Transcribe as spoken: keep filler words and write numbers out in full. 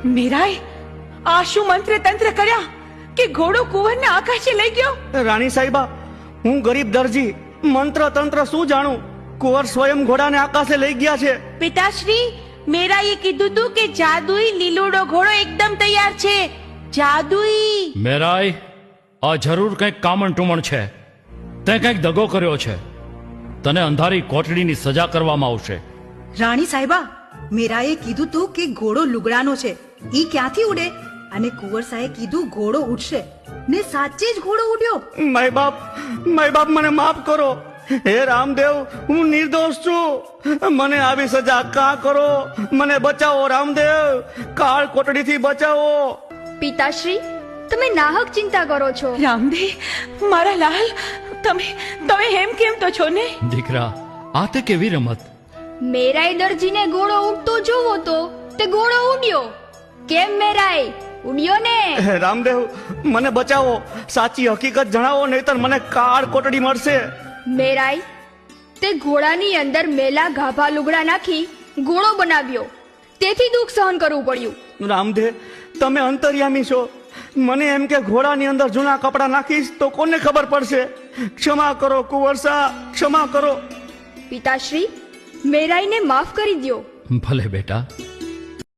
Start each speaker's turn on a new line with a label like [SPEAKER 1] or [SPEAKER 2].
[SPEAKER 1] મીરાઈ, આ શું મંત્ર તંત્ર કર્યા કે ઘોડો કુંવરને આકાશે લઈ ગયો?
[SPEAKER 2] રાણી સાહેબા, હું ગરીબ દરજી મંત્ર તંત્ર શું જાણું? કુંવર સ્વયં ઘોડાને આકાશે લઈ ગયા છે.
[SPEAKER 1] પિતાશ્રી, મીરાઈએ કીધું તું કે જાદુઈ લીલુડો ઘોડો એકદમ તૈયાર છે. જાદુઈ.
[SPEAKER 3] મેરાઈ, આ જરૂર કંઈક કામણ ટુમણ છે. તે કંઈક દગો કર્યો છે. તને અંધારી કોટડીની સજા કરવામાં આવશે.
[SPEAKER 4] રાણી સાહેબા, મીરાએ કીધું તું કે ઘોડો લુગડાનો છે, ઈ ક્યાંથી ઉડે? અને કુંવર સાહેબે કીધું ઘોડો ઉડશે, ને સાચે જ ઘોડો ઉડ્યો.
[SPEAKER 2] માય બાપ, માય બાપ, મને માફ કરો. હે રામદેવ, હું નિર્દોષ છું. મને આવી સજા કા કરો? મને બચાવો રામદેવ, કાળ કોટડીથી બચાવો.
[SPEAKER 5] પિતાશ્રી, તમે નાહક ચિંતા કરો છો.
[SPEAKER 1] રામદેવ, મારા લાલ, તમે તમે હેમ કેમ તો છો ને?
[SPEAKER 3] દીકરા, આ તે કેવી રમત?
[SPEAKER 5] મેરાઈ દરજીને ઘોડો ઉડતો જોવો તો તે ઘોડો ઉડ્યો. કેમ મેરાઈ, ઉડ્યો ને?
[SPEAKER 2] હે રામદેવ, મને બચાવો. સાચી હકીકત જણાવો, નહીતર મને કાળ કોટડી મળશે.
[SPEAKER 5] મેરાઈ, તે ઘોડાની અંદર મેલા ગાભા લુગડા નાખી ઘોડો બનાવ્યો, તેથી દુઃખ સહન કરવું પડ્યું.
[SPEAKER 2] રામદેવ, તમે અંતર્યામી છો. મને એમ કે ઘોડાની અંદર જૂના કપડા નાખીશ તો કોને ખબર પડશે? ક્ષમા કરો કુંવરસા, ક્ષમા કરો.
[SPEAKER 5] પિતાશ્રી, મેરાઈને માફ કરી દ્યો.
[SPEAKER 3] ભલે બેટા,